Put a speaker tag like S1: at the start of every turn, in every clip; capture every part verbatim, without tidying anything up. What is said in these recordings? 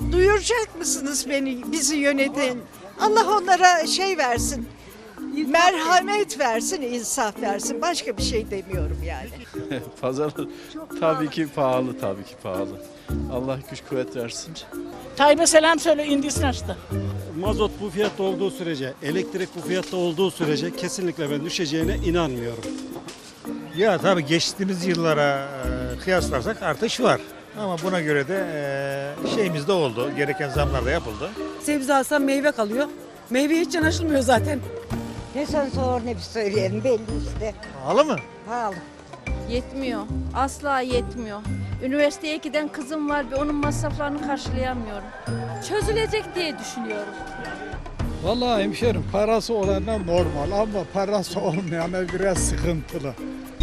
S1: Duyuracak mısınız beni, bizi yöneten? Allah onlara şey versin, merhamet versin, insaf versin. Başka bir şey demiyorum yani.
S2: Pazar tabii ki pahalı, tabii ki pahalı. Allah güç kuvvet versin.
S3: Tayyip'e selam söyle, indisini açtı.
S4: Mazot bu fiyatta olduğu sürece, elektrik bu fiyatta olduğu sürece kesinlikle ben düşeceğine inanmıyorum.
S5: Ya tabii geçtiğimiz yıllara e, kıyaslarsak artış var. Ama buna göre de e, şeyimiz de oldu. Gereken zamlar da yapıldı.
S6: Sebze alsam meyve kalıyor. Meyve hiç yanaşılmıyor zaten.
S7: Ne sen sor ne bir söyleyelim belli işte.
S5: Pahalı mı?
S7: Pahalı.
S8: Yetmiyor. Asla yetmiyor. Üniversiteye giden kızım var ve onun masraflarını karşılayamıyorum. Çözülecek diye düşünüyorum.
S9: Vallahi hemşerim parası olana normal ama parası olmayana biraz sıkıntılı.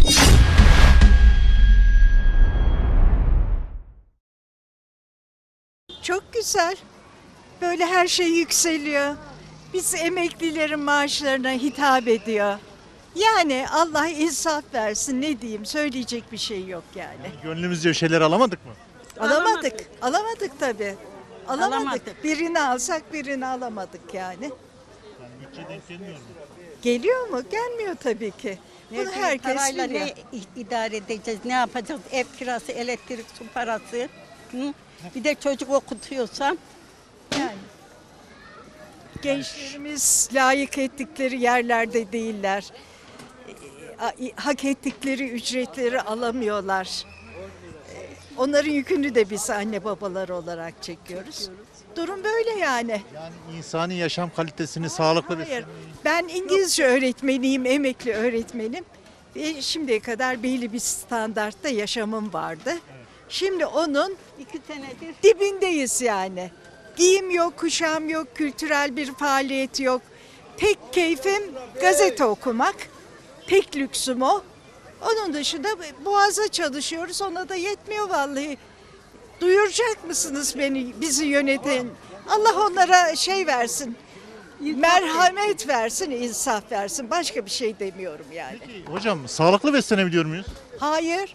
S1: Çok güzel. Böyle her şey yükseliyor. Biz emeklilerin maaşlarına hitap ediyor. Yani Allah insaf versin, ne diyeyim, söyleyecek bir şey yok yani.
S5: Gönlümüzce bir şeyler alamadık mı?
S1: Alamadık, alamadık tabii. Alamadık.
S3: Alamadık.
S1: Birini alsak birini alamadık yani.
S5: Yani bütçe denk gelmiyor mu?
S1: Geliyor mu? Gelmiyor tabii ki. Bunu herkes
S7: Parayla
S1: biliyor.
S7: ne idare edeceğiz, ne yapacağız? Ev kirası, elektrik, su parası. Hı? Bir de çocuk okutuyorsam.
S1: Yani. Gençlerimiz layık ettikleri yerlerde değiller. E, Hak ettikleri ücretleri alamıyorlar. E, Onların yükünü de biz anne babalar olarak çekiyoruz. Durum böyle yani.
S5: Yani insani yaşam kalitesini sağlıklı
S1: Hayır,
S5: bir...
S1: ben İngilizce öğretmeniyim, emekli öğretmenim. Ve şimdiye kadar belli bir standartta yaşamım vardı. Şimdi onun
S7: iki senedir
S1: dibindeyiz yani. Giyim yok, kuşam yok, kültürel bir faaliyet yok. Tek keyfim gazete okumak. Tek lüksüm o. Onun dışında boğaza çalışıyoruz. Ona da yetmiyor vallahi. Duyuracak mısınız beni, bizi yöneten? Allah onlara şey versin, merhamet versin, insaf versin. Başka bir şey demiyorum yani.
S5: Hocam sağlıklı beslenebiliyor muyuz?
S1: Hayır.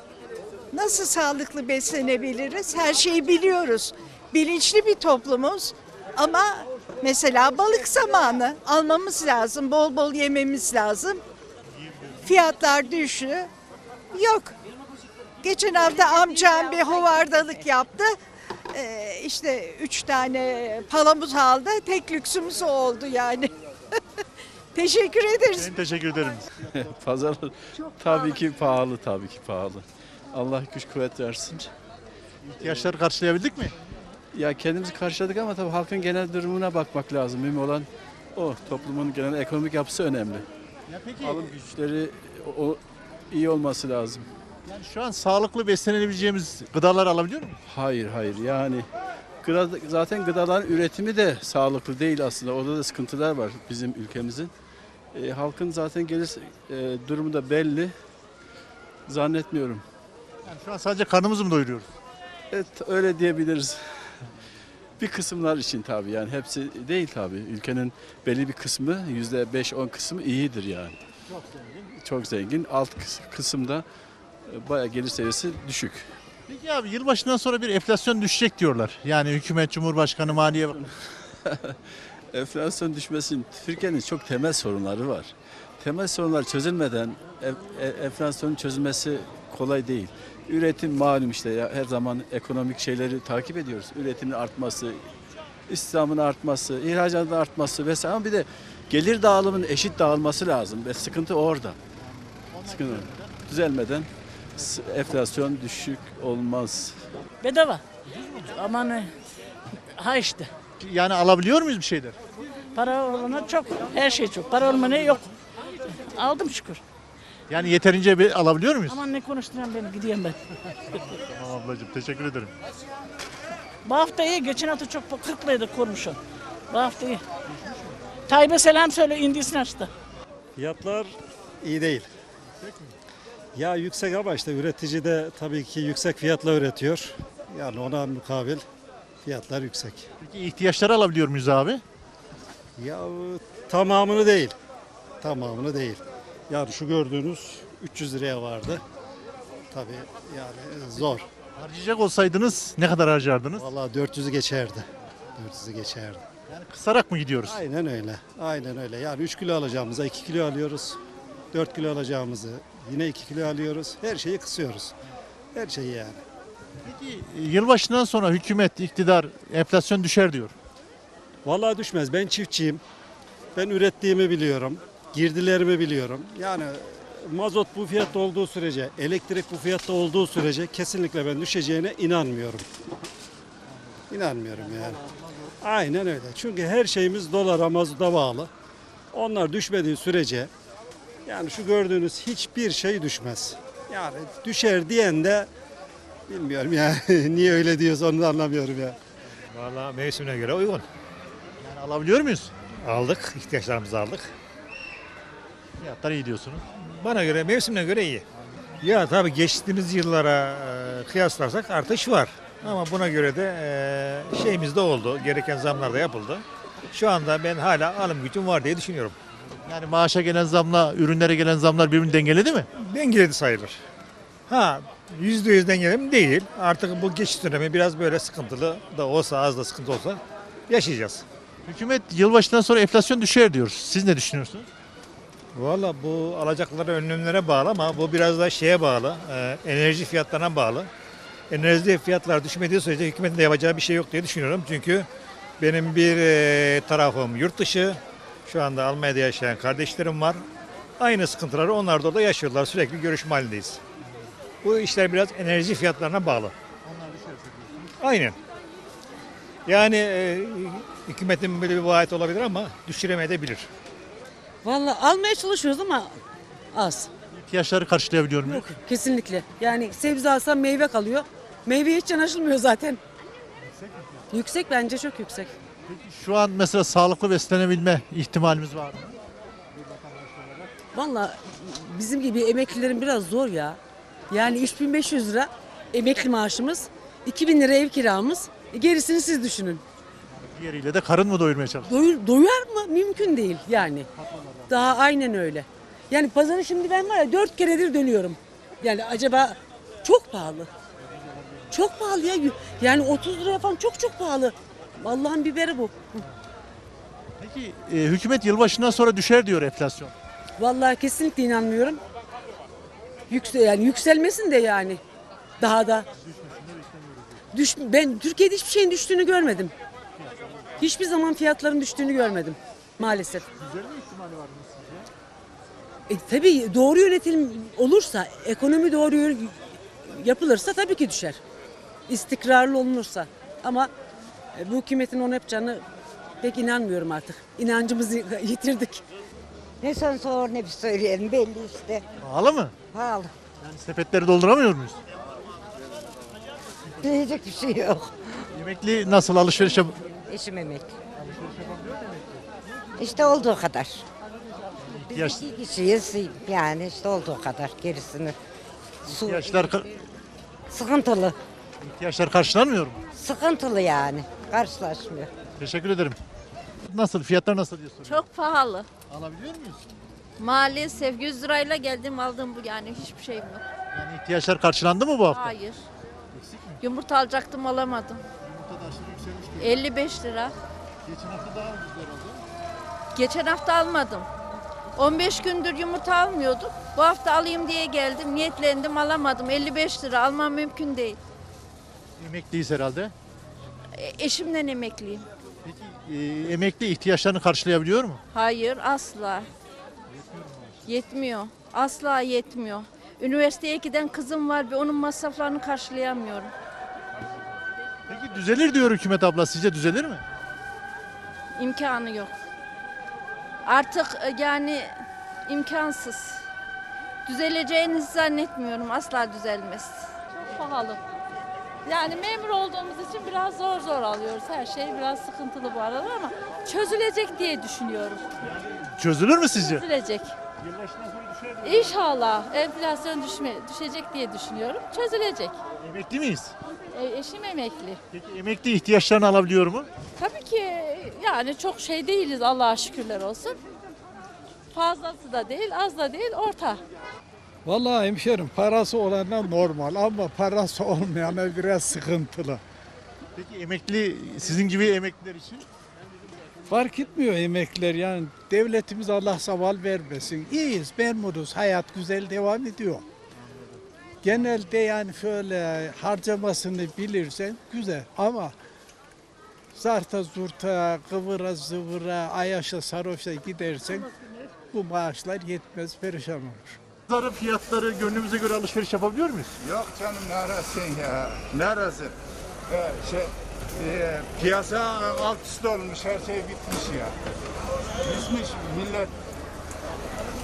S1: Nasıl sağlıklı beslenebiliriz? Her şeyi biliyoruz. Bilinçli bir toplumuz. Ama mesela balık zamanı almamız lazım. Bol bol yememiz lazım. Fiyatlar düştü. Yok. Geçen hafta amcam bir hovardalık yaptı. Ee, işte üç tane palamut aldı. Tek lüksümüz o oldu yani. Teşekkür ederiz.
S5: Ben teşekkür ederim.
S2: Pazar tabii ki pahalı, tabii ki pahalı. Allah güç kuvvet versin.
S5: İhtiyaçları karşılayabildik mi?
S2: Ya kendimizi karşıladık ama tabii halkın genel durumuna bakmak lazım. Mühim olan o. Toplumun genel ekonomik yapısı önemli.
S5: Ya peki
S2: Alım güçleri o, o iyi olması lazım.
S5: yani şu an sağlıklı beslenebileceğimiz gıdalar alabiliyor muyuz?
S2: Hayır, hayır. Yani gıda, zaten gıdaların üretimi de sağlıklı değil aslında. Orada da sıkıntılar var bizim ülkemizin. E, halkın zaten gelir e, durumu da belli. Zannetmiyorum.
S5: Yani şu an sadece karnımızı mı doyuruyoruz?
S2: Evet, öyle diyebiliriz. Bir kısımlar için tabii, yani hepsi değil tabii. Ülkenin belli bir kısmı, yüzde beş on kısmı iyidir yani.
S5: Çok zengin.
S2: Çok zengin. Alt kıs- kısımda e, bayağı gelir seviyesi düşük.
S5: Peki abi yılbaşından sonra bir enflasyon düşecek diyorlar. Yani hükümet, cumhurbaşkanı, maliye...
S2: Enflasyon düşmesinin Türkiye'nin çok temel sorunları var. Temel sorunlar çözülmeden e- e- enflasyonun çözülmesi kolay değil. Üretim malum işte ya, her zaman ekonomik şeyleri takip ediyoruz. Üretimin artması, istihdamın artması, ihracatın artması vesaire, ama bir de gelir dağılımının eşit dağılması lazım ve sıkıntı orada. Sıkıntı düzelmeden s- enflasyon düşük olmaz.
S3: Bedava. Aman e, ha işte.
S5: Yani alabiliyor muyuz bir şeyler?
S3: Para olana çok. Her şey çok. Para olmana yok. Aldım şükür.
S5: Yani yeterince bir alabiliyor muyuz?
S3: Aman ne konuşturan beni, gideyim ben.
S5: Tamam ablacığım teşekkür ederim.
S3: Bu hafta iyi. Geçen hafta çok kırk liraydı kurmuşum. Bu hafta iyi. Tayyip'e selam söyle, indisini açtı.
S4: Fiyatlar iyi değil. Ya yüksek ama işte üretici de tabii ki yüksek fiyatla üretiyor. Yani ona mukabil fiyatlar yüksek.
S5: Peki ihtiyaçları alabiliyor muyuz abi?
S4: Ya tamamını değil. Tamamını değil. Yani şu gördüğünüz üç yüz liraya vardı. Tabii yani zor.
S10: Harcayacak olsaydınız ne kadar harcardınız?
S4: Vallahi dört yüzü geçerdi. dört yüzü geçerdi.
S10: Yani kısarak mı gidiyoruz?
S4: Aynen öyle. Aynen öyle. Yani üç kilo alacağımıza iki kilo alıyoruz. dört kilo alacağımızı yine iki kilo alıyoruz. Her şeyi kısıyoruz. Her şeyi yani.
S10: Peki yılbaşından sonra hükümet, iktidar enflasyon düşer diyor.
S4: Vallahi düşmez. Ben çiftçiyim. Ben ürettiğimi biliyorum. Girdilerimi biliyorum. Yani mazot bu fiyatta olduğu sürece, elektrik bu fiyatta olduğu sürece kesinlikle ben düşeceğine inanmıyorum. İnanmıyorum yani. Aynen öyle. Çünkü her şeyimiz dolara, mazota bağlı. Onlar düşmediği sürece yani şu gördüğünüz hiçbir şey düşmez. Yani düşer diyen de bilmiyorum ya. Niye öyle diyorsa onu da anlamıyorum ya.
S5: Vallahi mevsimine göre uygun.
S10: Yani alabiliyor muyuz?
S5: Aldık, ihtiyaçlarımızı aldık.
S10: Fiyatlar iyi diyorsunuz.
S5: Bana göre, mevsimine göre iyi. Ya tabii geçtiğimiz yıllara e, kıyaslarsak artış var. Ama buna göre de e, şeyimiz de oldu. Gereken zamlar da yapıldı. Şu anda ben hala alım gücüm var diye düşünüyorum.
S10: Yani maaşa gelen zamla ürünlere gelen zamlar birbirini dengeledi mi?
S5: Dengeledi sayılır. Ha yüzde yüz dengeli mi? Değil. Artık bu geçiş dönemi biraz böyle sıkıntılı da olsa, az da sıkıntı olsa yaşayacağız.
S10: Hükümet yılbaşından sonra enflasyon düşer diyor. Siz ne düşünüyorsunuz?
S5: Valla bu alacakları önlemlere bağlı ama bu biraz da şeye bağlı, e, enerji fiyatlarına bağlı. Enerji fiyatları düşmediği sürece hükümetin de yapacağı bir şey yok diye düşünüyorum. Çünkü benim bir e, tarafım yurt dışı, şu anda Almanya'da yaşayan kardeşlerim var. Aynı sıkıntıları onlar da orada yaşıyorlar, sürekli görüşme halindeyiz. Bu işler biraz enerji fiyatlarına bağlı. Aynen. Yani e, hükümetin böyle bir vaat olabilir ama düşüremeyebilir.
S6: Vallahi almaya çalışıyoruz ama az.
S10: İhtiyaçları karşılayabiliyor muyuz?
S6: Yok kesinlikle. Yani sebze alsam meyve kalıyor. Meyve hiç yanaşılmıyor zaten. Yüksek bence çok yüksek.
S10: Şu an mesela sağlıklı beslenebilme ihtimalimiz var mı?
S6: Vallahi bizim gibi emeklilerin biraz zor ya. Yani üç bin beş yüz lira emekli maaşımız, iki bin lira ev kiramız. E, Gerisini siz düşünün.
S10: Diğeriyle de karın mı doyurmaya çalışıyor?
S6: Doyur, doyar mı? Mümkün değil yani. Daha aynen öyle. Yani pazarı şimdi ben var ya dört keredir dönüyorum. Yani acaba çok pahalı. Çok pahalı ya. Yani otuz liraya falan çok çok pahalı. Allah'ın biberi bu.
S10: Peki e, hükümet yılbaşından sonra düşer diyor enflasyon.
S6: Vallahi kesinlikle inanmıyorum. Yüksel yani yükselmesin de yani. Daha da. Düş, ben Türkiye'de hiçbir şeyin düştüğünü görmedim. Hiçbir zaman fiyatların düştüğünü görmedim maalesef.
S10: Düzelme ihtimali var mı sizce?
S6: E, tabii doğru yönetim olursa, ekonomi doğru yö- yapılırsa tabii ki düşer. İstikrarlı olunursa. Ama e, bu hükümetin onu yapacağını pek inanmıyorum artık. İnancımızı yitirdik.
S7: Ne son sor ne bir söyleyelim belli işte.
S10: Pahalı mı?
S7: Pahalı.
S10: Yani sepetleri dolduramıyor muyuz?
S7: Diyecek bir şey yok.
S10: Emekli nasıl alışverişe...
S7: Eşim emekli. İşte olduğu kadar.
S10: İhtiyaç,
S7: İki kişiyiz yani işte olduğu kadar gerisini. Su
S10: ihtiyaçlar,
S7: sıkıntılı.
S10: ihtiyaçlar karşılanmıyor mu?
S7: Sıkıntılı yani. Karşılaşmıyor.
S10: Teşekkür ederim. Nasıl? Fiyatlar nasıl diye soruyorum.
S8: Çok pahalı.
S10: Alabiliyor muyuz?
S8: Maalesef yüz lirayla geldim aldım bu yani hiçbir şeyim yok.
S10: Yani ihtiyaçlar karşılandı mı bu hafta?
S8: Hayır. Yumurta alacaktım alamadım. elli beş lira.
S10: Geçen hafta daha ucuz herhalde.
S8: Geçen hafta almadım. on beş gündür yumurta almıyordum. Bu hafta alayım diye geldim. Niyetlendim alamadım. elli beş lira almam mümkün değil.
S10: Emekliyiz herhalde.
S8: E, eşimden emekliyim.
S10: Peki e, emekli ihtiyaçlarını karşılayabiliyor mu?
S8: Hayır asla. Yetmiyor. Asla yetmiyor. Üniversiteye giden kızım var ve onun masraflarını karşılayamıyorum.
S10: Peki düzelir diyor hükümet abla. Sizce düzelir mi?
S8: İmkanı yok. Artık e, yani imkansız. Düzeleceğini zannetmiyorum. Asla düzelmez.
S11: Çok pahalı. Yani memur olduğumuz için biraz zor zor alıyoruz. Her şey biraz sıkıntılı bu aralar ama çözülecek diye düşünüyorum.
S10: Çözülür mü sizce?
S11: Çözülecek. İnşallah enflasyon düşme, düşecek diye düşünüyorum. Çözülecek.
S10: Emekli miyiz?
S11: E, eşim emekli.
S10: Peki emekli ihtiyaçlarını alabiliyor mu?
S11: Tabii ki yani çok şey değiliz Allah'a şükürler olsun. Fazlası da değil, az da değil, orta.
S9: Vallahi hemşerim parası olana normal ama parası olmayana biraz sıkıntılı.
S10: Peki emekli, sizin gibi emekliler için?
S9: Fark etmiyor emekliler yani devletimiz Allah zaval vermesin. İyiyiz, memnunuz, hayat güzel devam ediyor. Genelde yani şöyle harcamasını bilirsen güzel ama zarta zurta, kıvıra zıvıra, ayaşa sarhoşa gidersen bu maaşlar yetmez, perişan olur.
S10: Pazarın fiyatları gönlümüze göre alışveriş yapabiliyor muyuz?
S12: Yok canım neresin ya? Neresin? Ee, şey, e, piyasa alt üst olmuş, her şey bitmiş ya. Bitmiş millet